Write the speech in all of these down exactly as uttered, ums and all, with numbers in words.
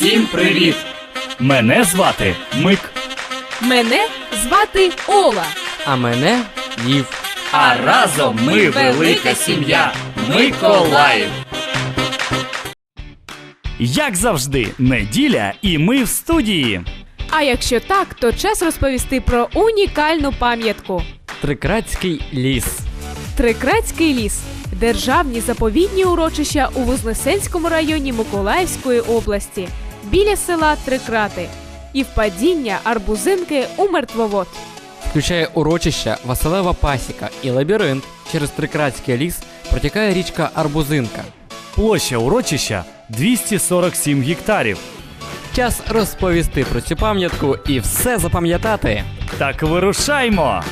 Всім привіт! Мене звати Мик. Мене звати Ола. А мене Лів. А разом ми велика сім'я Миколаїв. Як завжди, неділя і ми в студії. А якщо так, то час розповісти про унікальну пам'ятку. Трикратський ліс. Трикратський ліс – державні заповідні урочища у Вознесенському районі Миколаївської області, біля села Трикрати, і впадіння Арбузинки у Мертвовод. Включає урочища Василева Пасіка і лабіринт. Через Трикратський ліс протікає річка Арбузинка. Площа урочища двісті сорок сім гектарів. Час розповісти про цю пам'ятку і все запам'ятати. Так вирушаймо!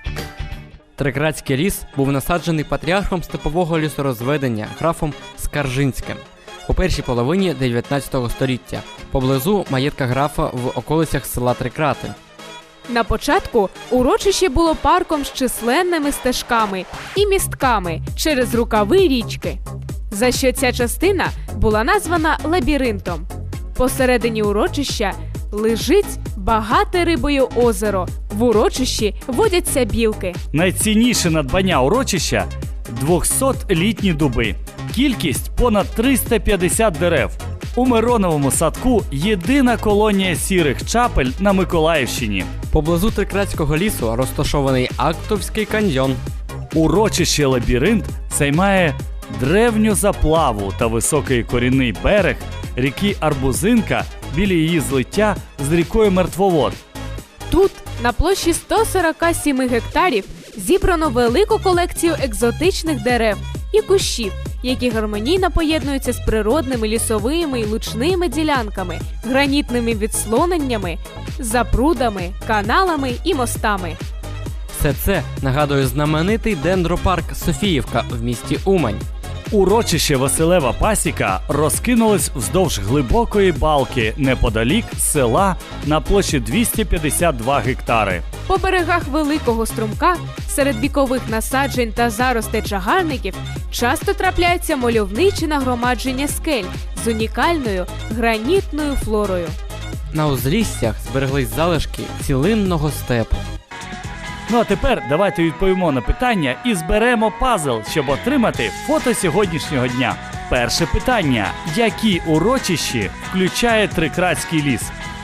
Трикратський ліс був насаджений патріархом степового лісорозведення графом Скаржинським у першій половині дев'ятнадцятого століття, поблизу маєтка графа в околицях села Трикрати. На початку урочище було парком з численними стежками і містками через рукави річки, за що ця частина була названа лабіринтом. Посередині урочища лежить багате рибою озеро. В урочищі водяться білки. Найцінніше надбання урочища – двохсотлітні дуби. Кількість – понад триста п'ятдесят дерев. У Мироновому садку єдина колонія сірих чапель на Миколаївщині. Поблизу Трикратського лісу розташований Актовський каньйон. Урочище «Лабіринт» займає древню заплаву та високий корінний берег ріки Арбузинка біля її злиття з рікою Мертвовод. Тут, на площі сто сорок сім гектарів, зібрано велику колекцію екзотичних дерев і кущів, які гармонійно поєднуються з природними лісовими і лучними ділянками, гранітними відслоненнями, запрудами, каналами і мостами. Все це нагадує знаменитий дендропарк Софіївка в місті Умань. Урочище Василева Пасіка розкинулось вздовж глибокої балки неподалік села на площі двісті п'ятдесят два гектари. По берегах великого струмка, серед вікових насаджень та заростей чагарників, часто трапляються мальовничі нагромадження скель з унікальною гранітною флорою. На узліссях збереглись залишки цілинного степу. Ну а тепер давайте відповімо на питання і зберемо пазл, щоб отримати фото сьогоднішнього дня. Перше питання. Які урочищі включає Трикратський ліс?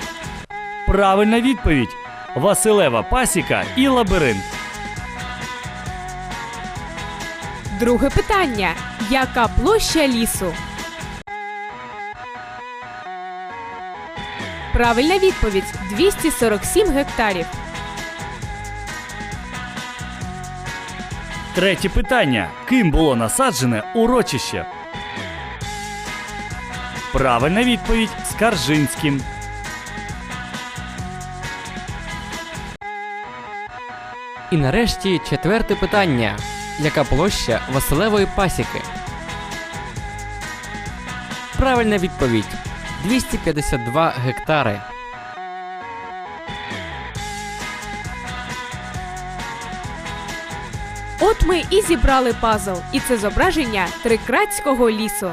Правильна відповідь. Василева Пасіка і Лабіринт. Друге питання. Яка площа лісу? Правильна відповідь – двісті сорок сім гектарів. Третє питання. Ким було насаджене урочище? Правильна відповідь – Скаржинським. І нарешті четверте питання. Яка площа Василевої Пасіки? Правильна відповідь – двісті п'ятдесят два гектари. От ми і зібрали пазл, і це зображення Трикратського лісу.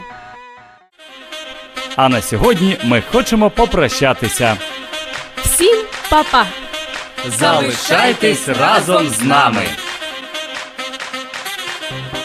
А на сьогодні ми хочемо попрощатися. Всім па-па! Залишайтесь разом з нами!